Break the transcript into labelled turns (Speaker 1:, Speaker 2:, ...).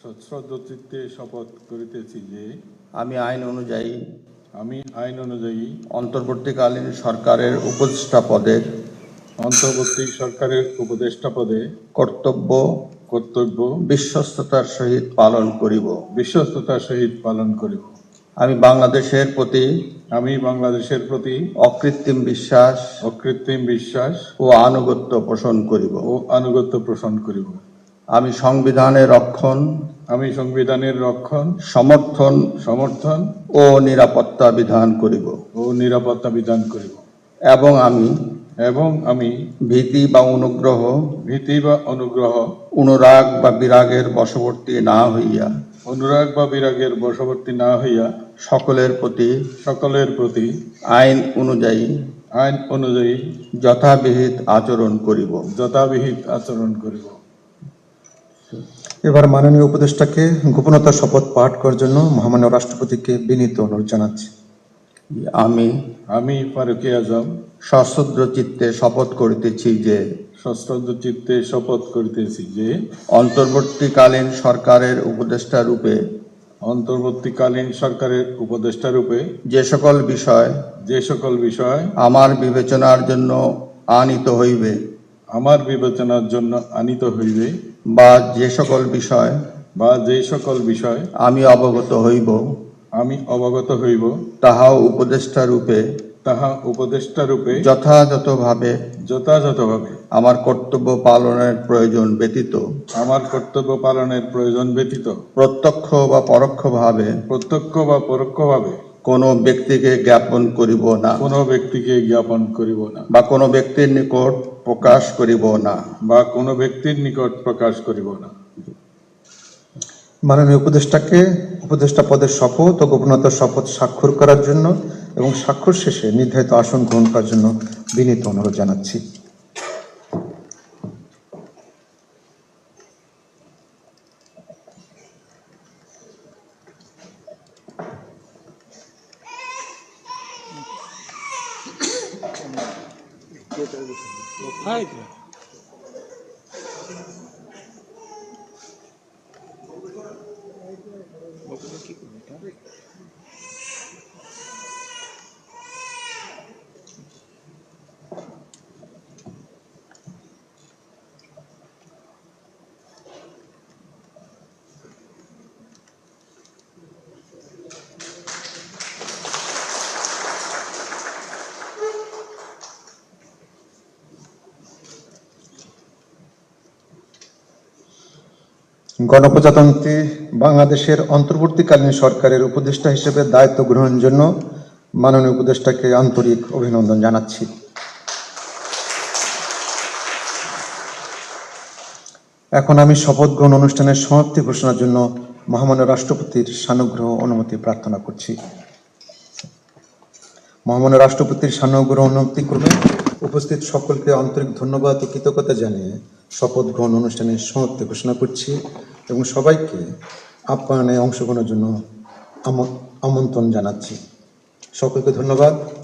Speaker 1: সশ্রদ্ধচিত্তে শপথ করিতেছি যে
Speaker 2: আমি আইন অনুযায়ী
Speaker 1: অন্তর্বর্তীকালীন সরকারের উপদেষ্টা পদে কর্তব্য
Speaker 2: বিশ্বস্ততার সহিত পালন করিব। আমি বাংলাদেশের প্রতি অকৃত্রিম বিশ্বাস ও আনুগত্য পোষণ করিব। আমি সংবিধানের রক্ষণ সমর্থন ও নিরাপত্তা বিধান করিব। এবং আমি ভীতি বা অনুগ্রহ অনুরাগ বা বিরাগের বশবর্তী না হইয়া সকলের প্রতি আইন অনুযায়ী যথাবিহিত আচরণ করিব।
Speaker 3: এবার মাননীয় উপদেষ্টাকে গোপনতার শপথ পাঠ করার জন্য মহামান্য রাষ্ট্রপতিকে বিনীত অনুরোধ জানাচ্ছি।
Speaker 1: আমি ফারুকী আজম
Speaker 2: সশ্রদ্ধ চিত্তে শপথ করিতেছি যে অন্তর্বর্তীকালীন সরকারের উপদেষ্টা রূপে যে সকল বিষয় আমার বিবেচনার জন্য আনিত হইবে বা যে সকল বিষয় আমি অবগত হইব তাহা উপদেষ্টা রূপে যথাযথভাবে আমার কর্তব্য পালনের প্রয়োজন ব্যতীত প্রত্যক্ষ বা পরোক্ষভাবে কোন ব্যক্তিকে জ্ঞাপন করিব না বা কোনো ব্যক্তির নিকট প্রকাশ করিব না।
Speaker 3: মাননীয় উপদেষ্টাকে উপদেষ্টা পদের শপথ ও গোপনতার শপথ স্বাক্ষর করার জন্য এবং স্বাক্ষর শেষে নির্ধারিত আসন গ্রহণ করার জন্য বিনীত অনুরোধ জানাচ্ছি। গণপ্রজাতন্ত্রী বাংলাদেশের অন্তর্বর্তীকালীন সরকারের উপদেষ্টা হিসেবে দায়িত্ব গ্রহণের জন্য মাননীয় উপদেষ্টাকে আন্তরিক অভিনন্দন জানাচ্ছি। এখন আমি শপথ গ্রহণ অনুষ্ঠানের সমাপ্তি ঘোষণার জন্য মহামান্য রাষ্ট্রপতির সানুগ্রহ অনুমতি প্রার্থনা করছি। মহামান্য রাষ্ট্রপতির সানুগ্রহ অনুমতি করবেন। উপস্থিত সকলকে আন্তরিক ধন্যবাদ ও কৃতজ্ঞতা জানিয়ে শপথ গ্রহণ অনুষ্ঠানের সমাপ্তি ঘোষণা করছি এবং সবাইকে আপ্যায়নে অংশগ্রহণের জন্য আমন্ত্রণ জানাচ্ছি। সকলকে ধন্যবাদ।